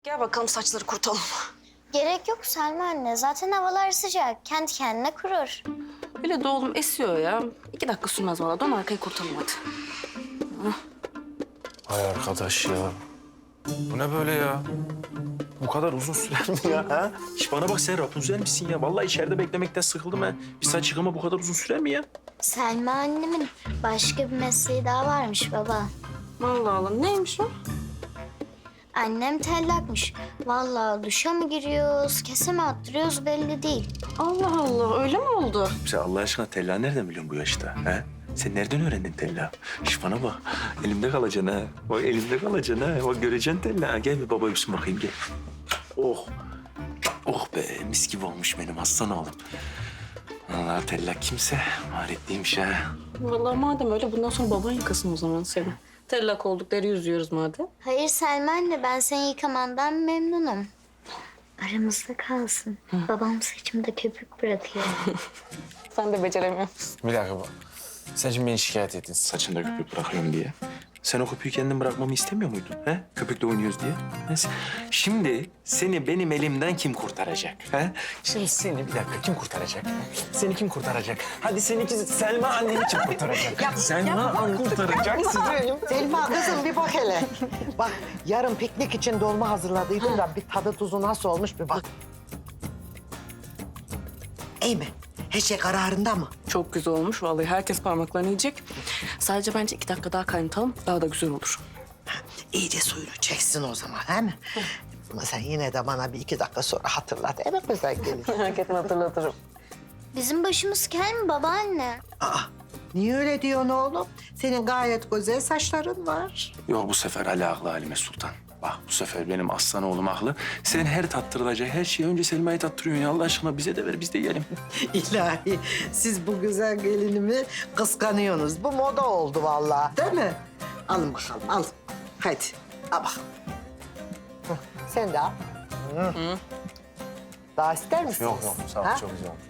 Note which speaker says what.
Speaker 1: Gel bakalım saçları kurutalım.
Speaker 2: Gerek yok Selma anne. Zaten havalar sıcak. Kendi kendine kurur.
Speaker 1: Öyle de oğlum esiyor ya. 2 dakika sürmez valla. Dön arkayı kurutalım hadi.
Speaker 3: Ay arkadaş ya. Bu ne böyle ya? Bu kadar uzun sürer mi ya? Ha? Hiç bana bak, sen Rapunzel misin ya? Vallahi içeride beklemekten sıkıldım ha. Bir saç yıkama bu kadar uzun sürer mi ya?
Speaker 2: Selma annemin başka bir mesleği daha varmış baba.
Speaker 1: Allah Allah, neymiş o?
Speaker 2: Annem tellakmış. Vallahi duşa mı giriyoruz, kese mi attırıyoruz belli değil.
Speaker 1: Allah Allah, öyle mi oldu?
Speaker 3: Sen Allah aşkına tella nereden biliyorsun bu yaşta? Ha? Sen nereden öğrendin tella? Şş, bana bak. Elimde kalacaksın ha. Bak elimde kalacaksın ha. Bak göreceksin tella. Gel bir baba öpsün bakayım, gel. Oh. Oh be, mis gibi olmuş benim aslan oğlum. Allah tella kimse maharetliymiş ha.
Speaker 1: Vallahi madem öyle bundan sonra baban yıkasın o zaman seni. Tellak olduk, deri yüzüyoruz madem.
Speaker 2: Hayır Selma anne, ben seni yıkamandan memnunum. Aramızda kalsın. Babam saçımda köpük bırakıyor.
Speaker 1: Sen de beceremiyorsun.
Speaker 3: Bir dakika bak. Sen şimdi beni şikayet ettin saçında köpük bırakıyorum diye. Sen o köpüğü kendin bırakmamı istemiyor muydun? He? Köpükle oynuyoruz diye. Neyse. Şimdi seni benim elimden kim kurtaracak? He? Şimdi seni bir dakika kim kurtaracak? Seni kim kurtaracak? Hadi seninki Selma anneni kim kurtaracak? Selma anne kurtaracak sizi.
Speaker 4: Selma kızım bir bak hele. Bak yarın piknik için dolma hazırladıydım da bir tadı tuzu nasıl olmuş bir bak. İyi mi? Her şey kararında mı?
Speaker 1: Çok güzel olmuş vallahi. Herkes parmaklarını yiyecek. Sadece bence 2 dakika daha kaynatalım. Daha da güzel olur.
Speaker 4: İyice suyunu çeksin o zaman, değil mi? Ama sen yine de bana bir 2 dakika sonra hatırlat. Evet mi sen gelir?
Speaker 1: Merak etme, hatırlatırım.
Speaker 2: Bizim başımız kel mi babaanne?
Speaker 4: Aa, niye öyle diyorsun oğlum? Senin gayet güzel saçların var.
Speaker 3: Yok, bu sefer Ali haklı Halime Sultan. Bak bu sefer benim aslan oğlum haklı. Sen her tattırılacak her şeyi önce Selma'yı tattırıyorsun ya. Allah aşkına bize de ver, biz de yiyelim.
Speaker 4: İlahi, siz bu güzel gelinimi kıskanıyorsunuz. Bu moda oldu vallahi, değil mi? Alın bakalım, al. Hadi, al bakalım. Hı, sen de al. Hı. Daha ister misin?
Speaker 3: Yok yok, sağ ol,
Speaker 4: Ha?
Speaker 3: çok güzel olmuş.